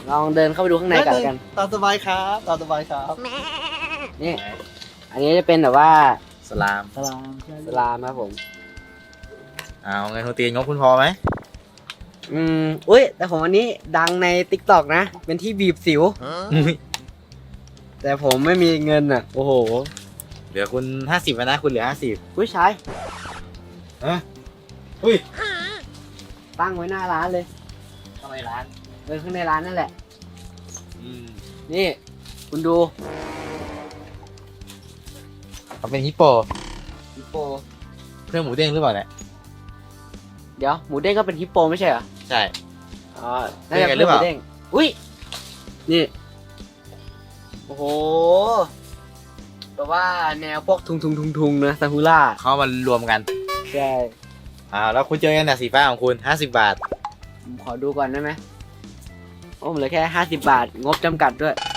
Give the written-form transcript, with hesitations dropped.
ลองเดินเข้าไปดูข้างในกันตามสบายครับตามสบายครับนี่ อันนี้จะเป็นแบบว่าสลามสลามครับผมเอาเงินโฮตีนงบคุณพอไหมอุ้ยแต่ผมอันนี้ดังใน TikTok นะ เป็นที่บีบสิวอุ๊ยแต่ผมไม่มีเงินอ่ะ โอ้โหเหลือคุณ50แล้วนะคุณเหลือ50 ผู้ชายอุ้ยตั้งไว้หน้าร้านเลยทำไมร้านข้างในร้านนั่นแหละ นี่ คุณดูเขาเป็นฮิปโปฮิปโปเพื่อนหมูเด้งหรือเปล่าเนี่ยเดี๋ยวหมูเด้งก็เป็นฮิปโปไม่ใช่เหรอใช่อ๋อน่าจะเป็นไงหรือเปล่าหมูเด้งอุ้ย นี่ โอ้โหแต่ว่าแนวพวกทุงนะซากุระเขามารวมกันใช่แล้วคุณเจอกันแต่สีฟ้าของคุณ50 บาทผมขอดูก่อนได้ไหมโอ้ผมเหลือแค่50 บาท งบจำกัดด้วย